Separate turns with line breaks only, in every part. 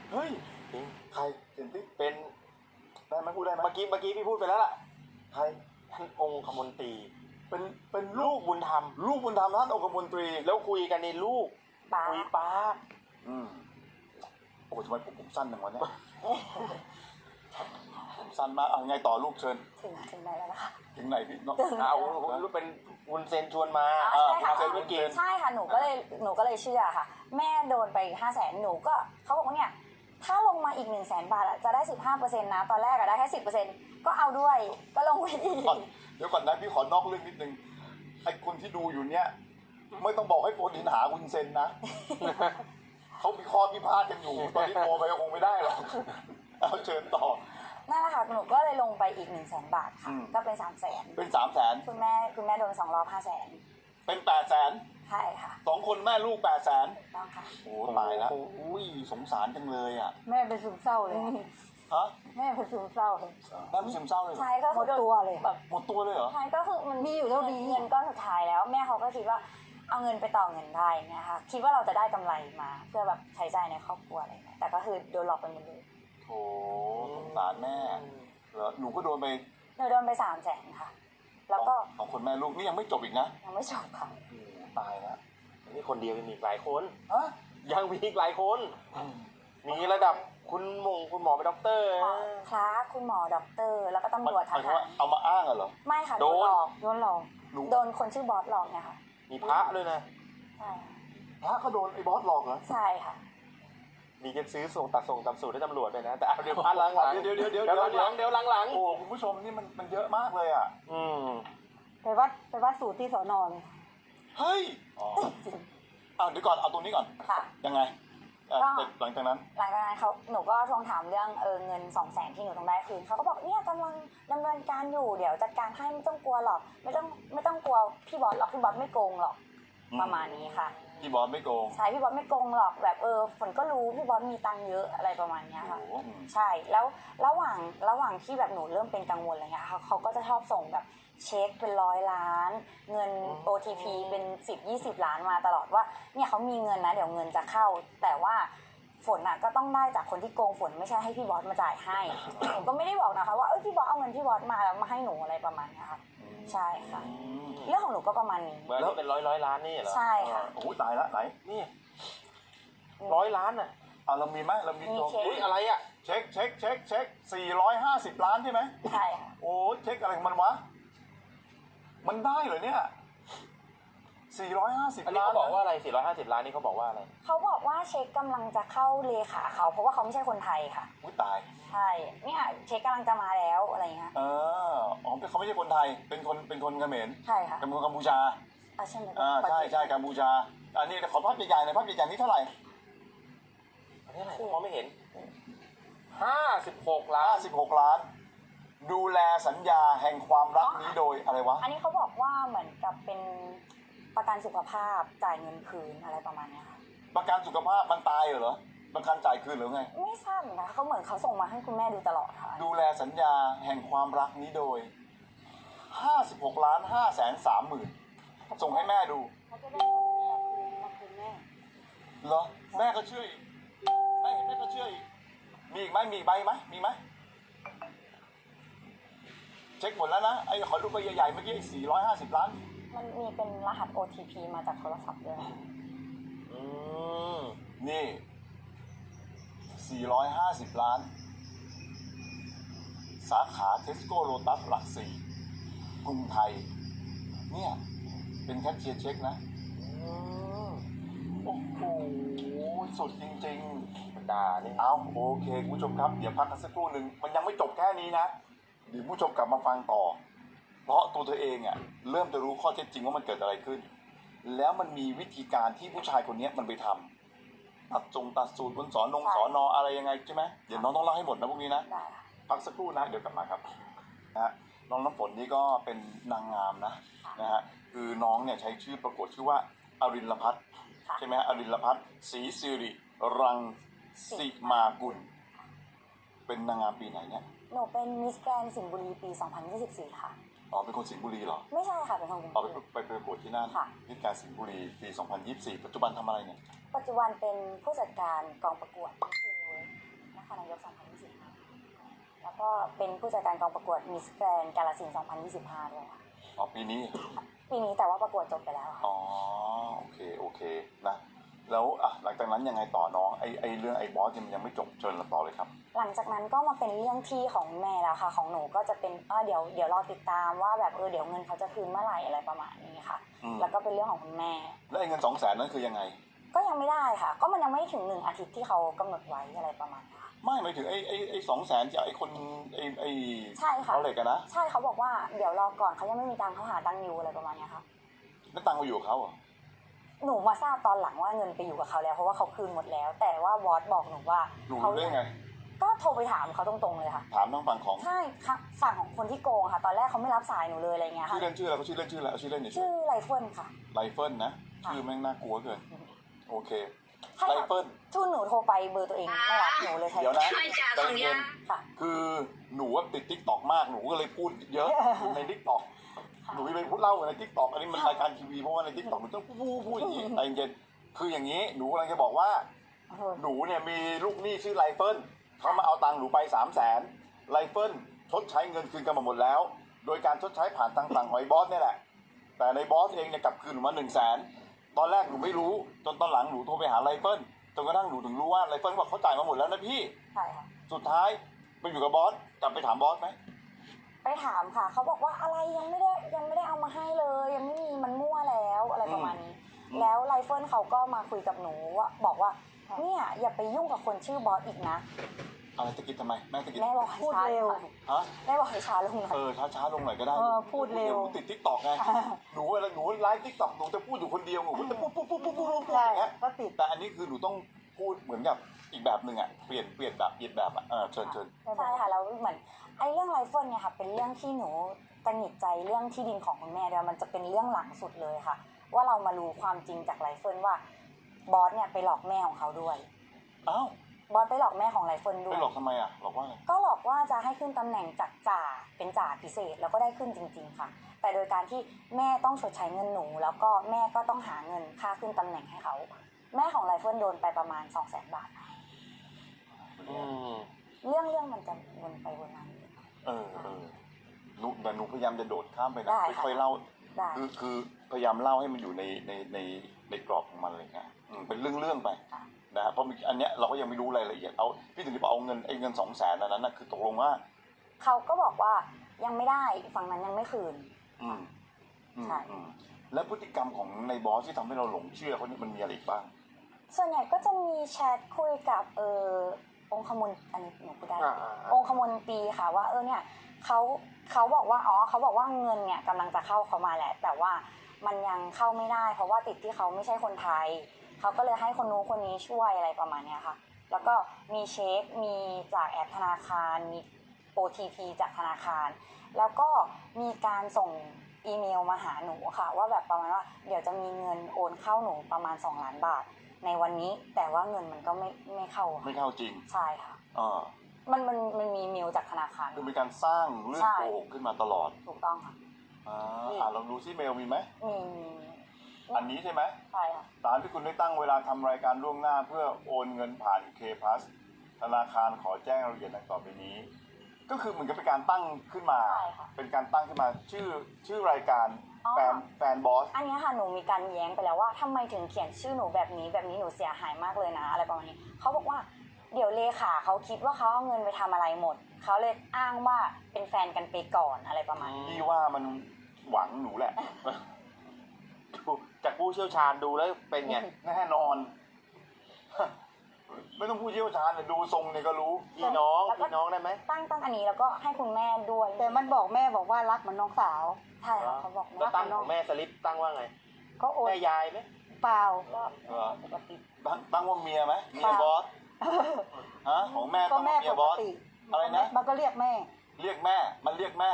เฮ้ย
จริง
ใครเห็นที่
เป็น
ได้ไหมพูดได้ไหม
เมื่อกี้พี่พูดไปแล้วล่ะ
ใคร
ท่านองคมนตรี
เป็นลู
ลู
ก
กบุญธรรม
ลูกบุญธรรมท่านองคมนตรี
แล้วคุยกันในลูก
ป๊า
คุยป้า
อืมโอ้ทำไมผมสั้นอย่างวะเนี่ยผมสั้นมากเอาไงต่อลูกเชิญ
ถึงไหนแล้วนะคะ
ถึงไหนพี่น้อง
เอาลูกเป็นวุนเซนชวนมา
อ๋อใช่ค่ะ
วุ้นเซนไม่กิน
ใช่ค่ะหนูก็เลยเชื่อค่ะ แม่โดนไป500,000หนูก็เขาบอกว่าเนี่ยถ้าลงมาอีก100,000 บาทอะจะได้ 15%นะตอนแรกอะได้แค่ 10%ก็เอาด้วยก็ลงไปอีก
ก่อนเดี๋ยวก่อนนะพี่ขอนอกเรื่องนิดนึงไอ้คนที่ดูอยู่เนี่ยไม่ต้องบอกให้โฟนอินหาคุณเซนนะ เขามีข้อพิพาทกันอยู่ ตอนนี้โทรไปก็คงไม่ได้หรอกเอาเชิญต่อ
นั่นแหละค่ะหนูก็เลยลงไปอีก100,000 บาทค่ะ
อืม
ก็เป็น300,000
เป็น300,000
คุณแม่โดน2 รอบ500,000
เป็น800,000
ใช่ค่ะ
2 คนแม่ลูก800,000
ถูกต้องค่ะ
โอ้ตายแล้วอุ้ยสงสารจังเลยอ่ะ
แม่เป็นซึมเศร้าเลย
ฮะ
แม่เป็นซึมเศร้าเลย
แม่เป็นซึมเศร้าเลยเหรอ
ใช่ก็
หม
คือ
ดตัวเลย
แบบ
หมดตัวเลยเหรอ
ใช่ก็คือมัน
มีอยู่เท่านี้
เงินก้อนสุดท้ายแล้วแม่เขาก็คิดว่าเอาเงินไปต่อเงินได้นะคะคิดว่าเราจะได้กำไรมา เพื่อแบบใช้จ่ายในครอบครัวอะไรเงี้ยแต่ก็คือโดนหลอกไปหมดเลย
โถสงสารแม่เหรอหนูก็โดนไป
หนูโดนไป300,000ค่ะ แล้วก็
สองคนแม่ลูกนี่ยังไม่จบอีกนะ
ยังไม่จบค่ะ
โอ้โหตายแล้ว
นี่คนเดียวยังมีอีกหลายคน
ฮะ
ยังมีอีกหลายคน มีระดับคุณหมอเป็นด็อกเตอร์
คลาสคุณหมอด็อกเตอร์ แล้วก็ตำรวจ
ห
ท
มายความ
หาร
ว่าเอามาอ้างเหรอ
ไม่ค่ะ
โด
โด
น
นหลอก
โดนหลอก
หนู
โดนคนชื่อบอสหลอกเนี่ยค่ะ
มีพระด้วยนะ
ใช่ค่ะ
พระก็โดนไอ้บอสหลอกเหรอ
ใช่ค่ะ
มีจะซื้อส่งตัดสูตรให้ตำรวจด้วยนะ แต่เอาเดี๋ยวพัดหลังๆ
เดี๋ยว
เดี๋ยวหลัง
โอ้คุณผู้ชมนี่มันเยอะมากเลยอ่ะ
ๆอืม
ไปวัดสูตรที่สอนอเลย
เฮ้ยอ๋อเดี๋ยวก่อนเอาตรงนี้ก่อน
ค่ะ
ยังไง
ก็
หลังจากนั้น
หลังจากนั้นหนูก็ทวงถามเรื่องเงิน200,000ที่หนูต้องได้คืนเขาก็บอกเนี่ยกำลังดำเนินการอยู่เดี๋ยวจัดการให้ไม่ต้องกลัวหรอกไม่ต้องกลัวพี่บอสหรอกพี่บอสไม่โกงหรอก
อืม
ประมาณนี้ค่ะ
พี่บอสไม่โกง
ใช่พี่บอสไม่โกงหรอกแบบฝนก็รู้พี่บอสมีตังค์เยอะอะไรประมาณเนี้ย
โอ้
ค่ะ
โห
ใช่แล้วระหว่างที่แบบหนูเริ่มเป็นกังวลอะไรเงี้ยเขาก็จะชอบส่งแบบเช็คเป็น100 ล้านเงิน OTP เป็น10-20 ล้านมาตลอดว่าเนี่ยเขามีเงินนะเดี๋ยวเงินจะเข้า แต่ว่าฝนก็ต้องได้จากคนที่โกงฝนไม่ใช่ให้พี่บอสมาจ่ายให้หนูก็ไม่ได้บอกนะคะว่าพี่บอสเอาเงินพี่บอสมาแล้วมาให้หนูอะไรประมาณเนี้ยค่ะใช่ค่ะ
อืม
เรื่องของหนูก็ประมาณนี้
เมื่อนี้เป็นร้อยล้านนี่เหรอ
ใช่ค่ะ
โอ้โหตายละไหน
นี่100 ล้านอ่ะ
เอาเรามีไหมเรามีตัว
มีเช็ค
อุ้ยอะไรอ่ะ
เช็ค450 ล้านใช่ไหม
ใช่ค่ะ
โอ้เช็คอะไรของมันวะ มันได้เหรอเนี่ย450
อันนี้
ล้าน
เขาบอกว่าอะไร450 ล้านนี่เขาบอกว่าอะไร
เขาบอกว่าเช็คกำลังจะเข้าเลขาเขาเพราะว่าเขาไม่ใช่คนไทยค่ะ
อุ้ยตาย
ใช่เนี่ยเช็คกำลังจะมาแล้วอะไรเงี้ย
อ๋อเขาไม่ใช่คนไทย เป็นคนเขมร
ใช่ค่ะ
เป็นคนกัมพูชา
ใช่ไหม
ใช่กัมพูชา อันนี้ขอภาพใหญ่ๆหน่อยภาพใหญ่ๆนี้เท่าไหร่
อันนี้อะไรมองไม่เห็น56 ล้าน
56 ล้าน ดูแลสัญญาแห่งความรักนี้โดยอะไรวะ
อันนี้เขาบอกว่าเหมือนกับเป็นประกันสุขภาพจ่ายเงินคืนอะไรประมาณเนี้ยค่ะ
ประกันสุขภาพมันตายเหรอ ประกันจ่ายคืนหรือไง
ไม่ทราบเหมือนกันเขาเหมือนเขาส่งมาให้คุณแม่ดูตลอดค่ะ
ดูแลสัญญาแห่งความรักนี้โดย56ล้าน530,000ส่งให้แม่ดู
เขาจะได้มาคืนแม่
เหรอ แม่ก็เชื่ออีกแม่เห็นแม่ก็เชื่ออีกมีอีกไหมมีอีกใบไหมมีไหมเช็คหมดแล้วนะไอ้ขอดูใบใหญ่ๆเมื่อกี้450 ล้าน
มันมีเป็นรหัส OTP มาจากโทรศัพท์ด้วย
อืม
นี่450 ล้าน สาขาเทสโก้โลตัสหลักสี่กรุงไทย เนี่ยเป็นแคชเชียร์เช็คนะ โอ้โห สุดจริงๆ
ด่านี่
เอาโอเคคุณผู้ชมครับ เดี๋ยวพักกันสักครู่หนึ่งมันยังไม่จบแค่นี้นะ เดี๋ยวผู้ชมกลับมาฟังต่อ เพราะตัวเธอเองอ่ะเริ่มจะรู้ข้อเท็จจริงว่ามันเกิดอะไรขึ้น แล้วมันมีวิธีการที่ผู้ชายคนนี้มันไปทำตัดสูตรบนสอนออะไรยังไงใช่ไหมเดี๋ยวน้องต้องเล่าให้หมดนะพวกนี้นะ
ได้ค่ะ
พักสักครู่นะเดี๋ยวกลับมาครับนะฮะน้องน้ำฝนนี่ก็เป็นนางงามนะฮะคือน้องเนี่ยใช้ชื่อประกวดชื่อว่าอรินลพัฒน์
ค่ะ
ใช่ไหมฮะอรินลพัฒน์ศรีสิริรังสิมากุลเป็นนางงามปีไหนเนี่ย
หนูเป็นมิสแกรนด์สิงห์บุรีปี 2024 ค่ะ
อ๋อเป็นคนสิงห์บุรีเหรอ
ไม่ใช่ค่ะเป็นคนกรุง
เอา
เท
ไป
พ
ประกวดที่นั่น
ค่ะ
ที่การสิงห์บุรีปี 2024 ปัจจุบันทำอะไรเนี่ย
ปัจจุบันเป็นผู้จัดการกองประกวด 2025แล้วก็เป็นผู้จัดการกองประกวดมิสแกรนด์กาฬสินธุ์2025ด้วยค่ะ
อ๋อปีนี้
ปีนี้แต่ว่าประกวดจบไปแล้วค่ะ
อ๋อโอเคนะแล้วอ่ะหลังจากนั้นยังไงต่อน้องไอเรื่องไอ้บอสมันยังไม่จบเชิญเราต่อเลยครับ
หลังจากนั้นก็มาเป็นเรื่องที่ของแม่แล้วค่ะ ของหนูก็จะเป็นเดี๋ยวรอติดตามว่าแบบเดี๋ยวเงินเขาจะคืนเมื่อไหร่อะไรประมาณนี้ค่ะ แล้วก็เป็นเรื่องของคุณแม่
แล้วไอ้เงิน200,000นั้นคือยังไง
ก็ยังไม่ได้ค่ะ ก็มันยังไม่ถึง1 อาทิตย์ที่เขากำหนดไว้อะไรประมาณนี้ค่ะ
ไม่หมายถึงไอ้200,000จากไอ้คนไอ้
ใช่ค่ะ
เขาเหล็กกันนะ
ใช่เขาบอกว่าเดี๋ยวรอก่อนเขายังไม่มีตังค์เขาหาตังค์อยู่อะไรประมาณนี้ค่ะ
แล้วตังค์มาอยู่กับเขาเหรอ
หนูมาทราบตอนหลังว่าเงินไปอยู่กับเขาแล้วเพราะว่าเขาคืนหมดแล้ว แต่ว่าบอสบอกหนูว่า
หนู
เขา
รู้ได้ไง
ก็โทรไปถามเขาตรงๆเลยค่ะ
ถามทางฝั่งของ
ใช่ค่ะฝั่งของคนที่โกงค่ะ ตอนแรกเขาไม่รับสายหนูเลยอะไรเงี้ย
ชื่
ค่ะ
อเล่นชื่ออะไรเขาชื่อเล่นชื่ออะไรเอาชื่อเล่นหน่อย
ชื่อไรเฟิลค่ะ
ไรเฟิลนะชื่อแม่งน่ากลัวเกินโอเค
ใช่
ไร
ค่ะ
เฟิล
ชื่อหนูโทรไปเบอร์ตัวเองไม่รับหนูเลยใช้
เดี๋ยวนะใจเย็น
ค่ะ
คือหนูว่าติดทิกตอกมากหนูก็เลยพูดเยอะในทิกตอกหนูไปพูดเล่าในทิกตอกอันนี้มันรายการทีวีเพราะว่าในทิกตอกหนูต้องพูดอย่างนี้ใจเย็นคืออย่างนี้หนูกำลังจะบอกว่า หนูเนี่ยมีลูกหนี้ชื่อไรเฟิลเขามาเอาตังค์หนูไป300,000ไรเฟิลชดใช้เงินคืนกันมาหมดแล้ว โดยการชดใช้ผ่านทางฝั่งหอยบอสเนี่ยแหละแต่ในบอสเองเนี่ยกลับคืนหนูมา100,000ตอนแรกหนูไม่รู้จนตอนหลังหนูโทรไปหาไรเฟิลจนกระทั่งหนูถึงรู้ว่าไรเฟิลบอกเขาจ่ายมาหมดแล้วนะพี่
ใช่ค่ะ
สุดท้ายไปอยู่กับบอสกลับไปถามบอสไหม
ไปถามค่ะเขาบอกว่าอะไรยังไม่ได้เอามาให้เลยยังไม่มีมันมั่วแล้วอะไรประมาณนี้แล้วไรเฟิลเขาก็มาคุยกับหนูว่าบอกว่าเนี่ยอย่าไปยุ่งกับคนชื่อบอสอีกนะ
อะไรตะกิดทำไมแม่ตะกิด
แม่บอกให้
พูด
ช้า
เร็ว
หน่อย
ฮะ
แม่บอกให้ช้าลงหน่อย
ช้าลงหน่อยก็ได้
พูดเร็ว
หนูติดทิกตอกไงหนูไลฟ์ทิกตอกหนูจะพูดอยู่คนเดียวหนูจะพูดอ
ใช่
ย่างเงี้ย
ก็ติด
แต่อันนี้คือหนูต้องพูดเหมือนกับอีกแบบหนึ่งอ่ะเปลี่ยนแบบอ่ะเชิญ
ใช่ค่ะแล้วเหมือนไอ้เรื่องไรเฟิลเนี่ยค่ะเป็นเรื่องที่หนูตังหงิดใจเรื่องที่ดินของคุณแม่ด้วยมันจะเป็นเรื่องหลังสุดเลยค่ะ ว่าเรามารู้ความจริงจากไรเฟิลว่าบอสเนี่ยไปหลอกแม่ของเขาด้วย
อ้าว
บอสไปหลอกแม่ของไรเฟิลด้ว
ไป
ย
หลอกทำไมอ่ะหลอกว่าไง
ก็หลอกว่าจะให้ขึ้นตำแหน่งจากจ่าเป็นจ่าพิเศษแล้วก็ได้ขึ้นจริง ๆ ค่ะ แต่โดยการที่แม่ต้องชดใช้เงินหนู แล้วก็แม่ก็ต้องหาเงินค่าขึ้นตำแหน่งให้เขา แม่ของไรเฟิลโดนไปประมาณ 200,000 บาทค่ะ
อืม
เรื่องมันจะวนไปวนมานิดนึง
หนูแต่หนูพยายามจะโดดข้ามไปนะ
ได้ค่ะ
ค่อยๆเล่า
ได้
คือพยายามเล่าให้มันอยู่ในกรอบของมันอะไรเงี้ยเป็นเรื่องไปนะฮะเพราะอันเนี้ยเราก็ยังไม่รู้รายละเอียดเอาพี่ถึงจะบอกเอาเงิน200,000นั้นนะคือตกลงว่า
เขาก็บอกว่ายังไม่ได้ฝั่งนั้นยังไม่คืน
อืม
ใช่
แล้วพฤติกรรมของในบอสที่ทำให้เราหลงเชื่อเขาเนี่ยมันมีอะไรอีกบ้าง
ส่วนใหญ่ก็จะมีแชทคุยกับองคมนอันนี้หนูพูดได้
อ่า
องคมนตรีค่ะว่าเนี่ยเขาบอกว่าเขาบอกว่าเงินเนี่ยกำลังจะเข้าเขามาแหละ แต่ว่ามันยังเข้าไม่ได้ เพราะว่าติดที่เขาไม่ใช่คนไทยเขาก็เลยให้คนนู้นคนนี้ช่วยอะไรประมาณเนี้ยค่ะ แล้วก็มีเช็คมีจากแอปธนาคารมี OTP จากธนาคาร แล้วก็มีการส่งอีเมลมาหาหนูค่ะ ว่าแบบประมาณว่าเดี๋ยวจะมีเงินโอนเข้าหนูประมาณ2 ล้านบาทในวันนี้ แต่ว่าเงินมันก็ไม่เข้าค่ะ
ไม่เข้าจริง
ใช่ค่ะ
อ่า
มันมีเมลจากธนาคาร
คือมีการสร้างเรื่อง
ใช่
โกหกขึ้นมาตลอด
ถูกต้องค่ะ
ลองดูซิเมลมีไหม
มี
อันนี้ใช่ไหม
ใช่ค่ะ
ตามที่คุณได้ตั้งเวลาทำรายการล่วงหน้าเพื่อโอนเงินผ่าน K Plus ธนาคารขอแจ้งรายละเอียดดังต่อไปนี้ ก็คือเหมือนกับเป็นการตั้งขึ้นมา
ใช่ค่ะ
เป็นการตั้งขึ้นมาชื่อรายการ
อ๋อ
แฟนบอส
อันเนี้ยค่ะหนูมีการแย้งไปแล้วว่าทำไมถึงเขียนชื่อหนูแบบนี้หนูเสียหายมากเลยนะอะไรประมาณนี้เขาบอกว่าเดี๋ยวเลขาเขาคิดว่าเขาเอาเงินไปทำอะไรหมดเขาเลยอ้างว่าเป็นแฟนกันไปก่อนอะไรประมาณนี้
พี่ว่ามันหวังหนูแหละ
ดูจากผู้เชี่ยวชาญดูแล้วเป็นไง
แน่นอน ไม่ต้องพูดเชี่ยวชาญเลยดูทรงเนี่ยก็รู้
พี่น้องได้ไหม
ตั้งอันนี้แล้วก็ให้คุณแม่ด้วย
แต่มันบอกแม่บอกว่ารักเหมือนน้องสาว
ใช่ค่ะเขาบอก
แล้ว
แม่
ตั้งของแม่สลิปตั้งว่าไง
ก็โอน
แม่ยายไหม
เปล่า
ก็
เหรอ
ปกติ
ตั้งว่าเมียไหมเมียบอสฮะของแม่
ก็
ตั้ง
แม่
ว่าเมี
ป
ย
ก
บอส
ติ
อะไรนะ
มันก็เรียกแม่
เรียกแม่มันเรียกแม่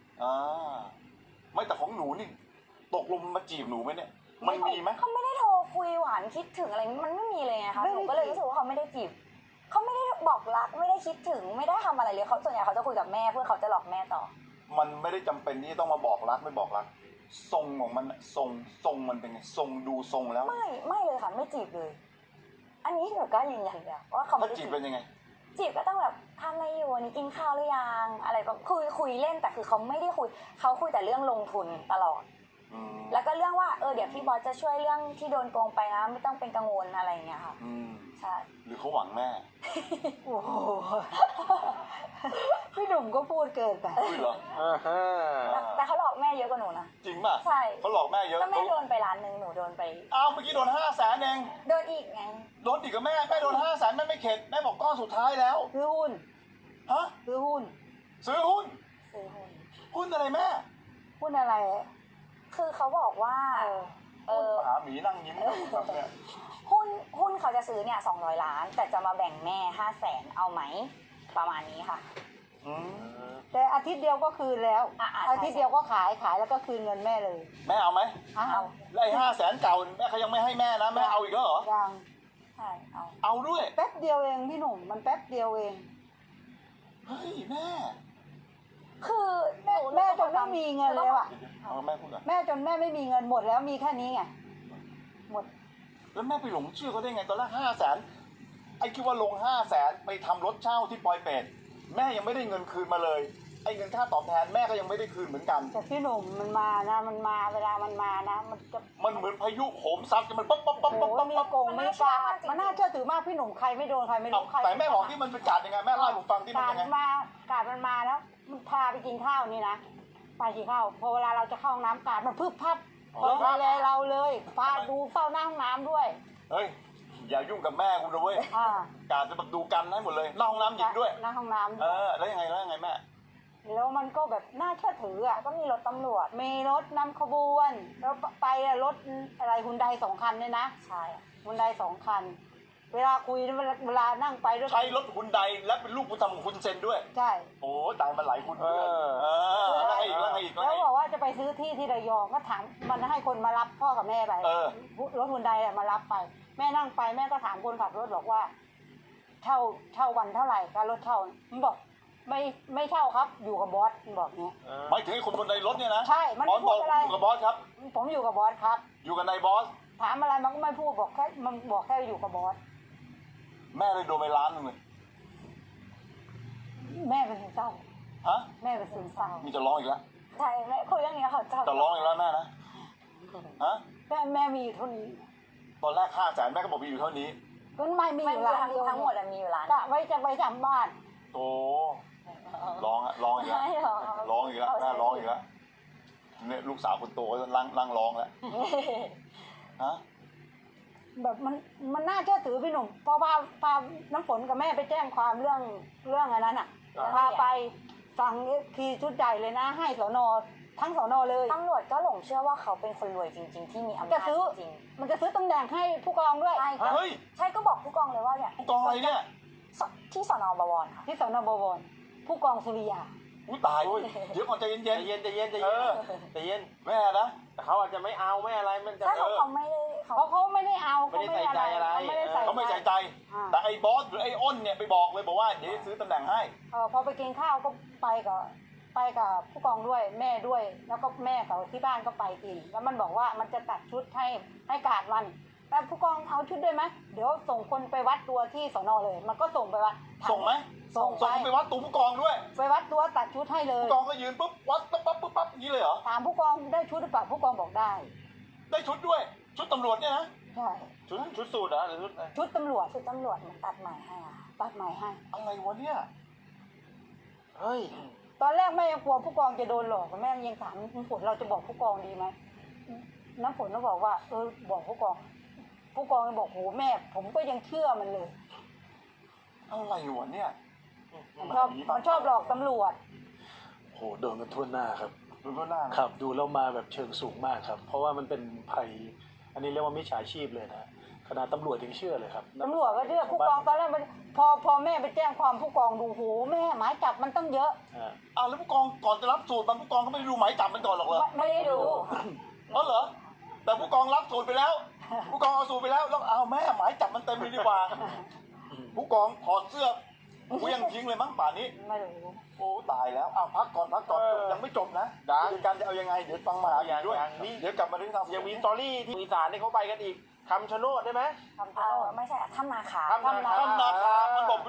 ไม่แต่ของหนูนี่ตกลงมันมาจีบหนูไหมเนี่ยมันมีไหม
เขาไม่ได้โทรคุยหวานคิดถึงอะไรมันไม่มีเลยไงคะ
ไม่
ห
ได้
นูก็เลยรู้สึกว่าเขาไม่ได้จีบเขาไม่ได้บอกรักไม่ได้คิดถึงไม่ได้ทำอะไรเลยเขาส่วนใหญ่เขาจะคุยกับแม่เพื่อเขาจะหลอกแม่ต่อ
มันไม่ได้จำเป็นที่จะต้องมาบอกรักไม่บอกรักทรงของมันน่ะทรงมันเป็นไงทรงดูทรงแล้ว
ไม่เลยค่ะไม่จีบเลย อันนี้หนูก็ยืนยันเลยว่าเขาไม่
ถ้า
ได้
จี
จี
บบ เป็นยังไง
จีบก็ต้องแบบทำอะไรอยู่วันนี้กินข้าวหรือยังอะไรแบบคุยเล่นแต่คือเขาไม่ได้คุยเขาคุยแต่เรื่องลงทุนตลอด
อืม
แล้วก็เรื่องว่าเดี๋ยวพี่บอสจะช่วยเรื่องที่โดนโกงไปนะไม่ต้องเป็นกังวลอะไรอย่างเงี้ยค่ะ
อืม
ใช่
หรือเขาหวังแม่
โอ้โห พี่หนุ่มก็พูดเกินไป
อุ้ยเหรอ
แต่เขาหลอกแม่เยอะกว่าหนูนะ
จริงป่ะ
ใช่
เขาหลอกแม่เยอะ
ก็แม่โดนไปล้านหนึ่งหนูโดนไป
อ้าวเมื่อกี้โดน500,000เอง
โดนอีกไง
โดนอีกกับแม่โดน500,000แม่ไม่เข็ดแม่บอกก้อนสุดท้ายแล้ว
ซื้อหุ้น
ฮะ
ซื้อหุ้น
ซื้อหุ้น
ซื้อหุ้น
หุ้นอะไรแม่
หุ้นอะไร
คือเขาบอกว่า
หาหมีนั่งยิ้มแบบเนี่ย
หุ้นเขาจะซื้อเนี่ย200 ล้าน แต่จะมาแบ่งแม่500,000เอาไหมประมาณนี้ค่ะ
อืม
แต่อาทิตย์เดียวก็คืนแล้ว
ใช่
อาทิตย์เดียวก็ขายแล้วก็คืนเงินแม่เลย
แม่เอาไหม
อ้า
เอา
ว
แล้วไอ้500,000เก่าแม่เขายังไม่ให้แม่นะแม่เอาอีกแล้วเหรอ
ยัง
ใช่เอา
เอาด้วย
แป๊บเดียวเองพี่หนุ่มมันแป๊บเดียวเอง
เฮ้ยแม่
คือหนู
แม่จนไม่มีเงินแล้วอ่ะ
เอาแม่พูดก่อน
แม่จนแม่ไม่มีเงินหมดแล้วมีแค่นี้ไงหมด
แล้วแม่ไปหลงเชื่อเขาได้ไงตอนแรก500,000ไอ้คิดว่าลง500,000ไปทำรถเช่าที่ปอยเป็ดแม่ยังไม่ได้เงินคืนมาเลยไอ้เงินค่าตอบแทนแม่ก็ยังไม่ได้คืนเหมือนกัน
แต่พี่หนุ่มมันมานะมันมาเวลามันมานะมันจะ
มันเหมือนพายุโหมซัดกันมันป๊อปป๊อปป๊อป
โอ้
ป๊อป
โห
ป๊อป
มีโกงมีกาดมันน่าเชื่อถือมากพี่หนุ่มใครไม่โดนใครไม่
เอา
รู้ใคร
แต่แม่บอกที่มันเป็นการยังไงแม่เล่าให้ผมฟังที่มัน
กาด
ยังไง
มากาดมันมาแล้วมันพาไปกินข้าวนี่นะไปกินข้าวพอเวลาเราจะเข้าห้องน้ำกาดมันพึบพับดูแลเราเลยพาดูเฝ้าหน้าห้องน้ำด้วย
เฮ้ยอย่ายุ่งกับแม่กูนะเว้ย
อ่า
การจะแบบดูกันให้หมดเลยเล่าห้องน้ำหญิงด้วย
หน้าห้องน้ำ
แล้วยังไงแม่
แล้วมันก็แบบน่าเชื่อถืออ่ะ
แล้วก็มีรถตำรวจ
มีรถนำขบวนแล้วไปอะรถอะไรฮุนได2 คันเนี่ยนะ
ใช่
ฮุนได2 คัน เวลาคุยเวลานั่งไปด้วย
ใช้รถคุณใดและเป็นลูกบุญธรรมของคุณเซนด้วย
ใช่
โอ้ตายมาหลายคุณเพื่อนแล้วไงอีกแล้วไงอีกแล้ว
แล้ว
ไง
บอกว่าจะไปซื้อที่ที่ระยองก็ถามมันให้คนมารับพ่อกับแม่ไป รถฮุนไดอะมารับไป แม่นั่งไปแม่ก็ถามคนขับรถบอกว่า เช่าวันเท่าไหร่ค่ารถเช่ามันบอกไม่เช่าครับ อยู่กับบอสมันบอกเนี้ย
หมายถึงไอ้คนบนในรถเนี่ยนะ
ใช่มัน
บอสบอก
พูดอะไร
อยู่กับบอสครับ
ผมอยู่กับบอสครับ
อยู่กับนายบอส
ถามอะไรมันก็ไม่พูดบอกแค่มันบอกแค่อยู่กับบอส
แม่เลยโดนไปล้านหนึงเลย
แม่เป็นซึมเศร้า
ฮะ
แม่เป็นซึมเศร้า
มีจะร้องอีกแล้ว
ใช่แม่คุยเรื่องนี้ค่ะ
จะร้องอีกแล้วแม่นะฮะ
แม่มีอยู่เท่านี้
ตอนแรก500,000แม่ก็บอกมีอยู่เท่านี้
ก็ไม่มี
ไม่
อยู่
มี
ร้านเดียว
ทั้งหมดมีอยู่ล้าน
กะไว้จะไปทำบ้าน
โอ้ร้องอีกแล้ว
ไม่หรอก
ร้องอีกแล้วแม่ร้องอีกแล้วเนี่ยลูกสาวคนโตก็นั่งร้องแล้วฮะ
แบบมันน่าเชื่อถือพี่หนุ่มพอพาน้ำฝนกับแม่ไปแจ้งความเรื่องอันนั้นอ่ะพาไปสั่งขี่ชุดใหญ่เลยนะ ให้สนทั้งสนเลย
ตำรวจก็หลงเชื่อว่าเขาเป็นคนรวยจริง ๆ ที่มีอำ
จะ
นาจ
ซื้อ
จริง
มันจะซื้อตำแหน่งให้ผู้กองด้วย
ใช่ก็
เฮ้ย
ใช่ก็บอกผู้กองเลยว่าเนี่ย
ผู้กองอะไรเนี่ย
ที่สนบวรค่ะ
ที่สนบวรผู้กองสุริยา
อุ้ยตายเดี๋ยวก่อนใจเย็น
ใจเย็นใจเย็นใจเย็นใจเย็น
ๆแม่นะ
แต่เขาอาจจะไม่เอาไม่อะไรมันจะ
ถ้าเขาไม่ได้เขา
เพราะเขาไม่ได้เอา
ไม่ได้ใส่ใจอะไร
เขาไม่ได้ใส่
เขาไม่ใส่ใจ แต่ไอ้บอสหรือไอ้อ้นเนี่ยไปบอกเลยบอกว่าเดี๋ยวซื้อตำแหน่งให้
พอไปกินข้าวก็ไปกับผู้กองด้วยแม่ด้วย แล้วก็แม่กับที่บ้านก็ไปกิน แล้วมันบอกว่ามันจะตัดชุดให้กาดมันแต่ผู้กองเอาชุดด้วยไหมเดี๋ยวส่งคนไปวัดตัวที่สนเลย มันก็ส่งไปว่า
ส่งไหม
ส่ง
ส่งไปวัดตัวผู้กองด้วย
ไปวัดตัวตัดชุดให้เลย
ผู้กองก็ยืนปุ๊บวัดปั๊บอย่างนี้เลยเหรอ
ถามผู้กองได้ชุดหรือเปล่าผู้กองบอกได้
ได้ชุดด้วย ชุดตำรวจเนี่ยนะ
ใช่
ชุดสูตรเหรอหรือชุดอะไร
ชุดตำรวจ
คือตำรวจมันตัดใหม่ให้อะค่ะ
ตัดใหม่ให้
อะไรวะเนี่ย
เฮ้ย
ตอนแรกแม่ยังกลัวผู้กองจะโดนหลอกแม่ยังถามน้ำฝนเราจะบอกผู้กองดีไหมน้ำฝนก็บอกว่าบอกผู้กองก็บอกโหแม่ ผมก็ยังเชื่อมันเลย
อะไรวะเนี่ย
มันชอบหลอกตำรวจ
โหโดนกันทั่วหน้าครับ
ดูก็หน้านะครับ
ดูแล้วมาแบบเชิงสูงมากครับ เพราะว่ามันเป็นภัย อันนี้เรียกว่ามิจฉาชีพเลยนะขนาดตำรวจยังเชื่อเลยครับ
ตำรวจก็เชื่อผู้กองตอนแรกมันพอแม่ไปแจ้งความผู้กองดูโหแม่หมายจับมันต้องเยอะ
อ่า
แล้วผู้กองก่อนจะรับสูตรมันผู้กองก็ไม่ได้ดูหมายจับมันก่อนหรอกเหรอ
ไม่ได้ดู
เหรอแต่ผู้กองรับสูตรไปแล้ว ผู้กองเอาสูตรไปแล้วแล้วเอาแม่หมายจับมันเต็มเลยดีกว่า ผู้กองถอดเสื้อกูยังทิ้งเลยมั้งป่านนี้
ไม่รู้
โอ้ตายแล้วพักก่อนยังไม่จบนะคือการจะเอายังไงเดี๋ยวฟังมหาวิทยาลัยด้วยเดี๋ยวกลับมาเรื่องทาง
ยังมีสตอรี่ที่อีสานที่เขาไปกันอีกคำชะโนดได้ไหม
ทำเท่า
ไม่ใช่ถ้ำนาคา
ถ้ำนาคา
ถ้ำนาคามันบอกเป็นลูกพญา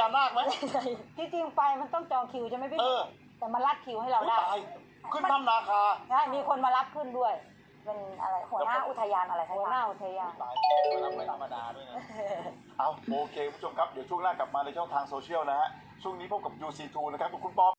นาคไหม
ที่จริงไปมันต้องจองคิวใช่ไหมพี่
เออ
แต่มารัดคิวให้เราได้
ตายขึ้นถ้ำนาคา
ใช่มีคนมารับขึ้นด้วย
เป็นอะไรหัวหน้าอุทยานอะไรสัก
หั
อ
วหน้า
ย่าง
อุทยาน
ตาย
ไม่ธรรมดาด้วยนะ
เอาโอเคคุณผู้ชมครับเดี๋ยวช่วงหน้ากลับมาในช่องทางโซเชียลนะฮะช่วงนี้พบกับ UC2 นะครับกับคุณปอ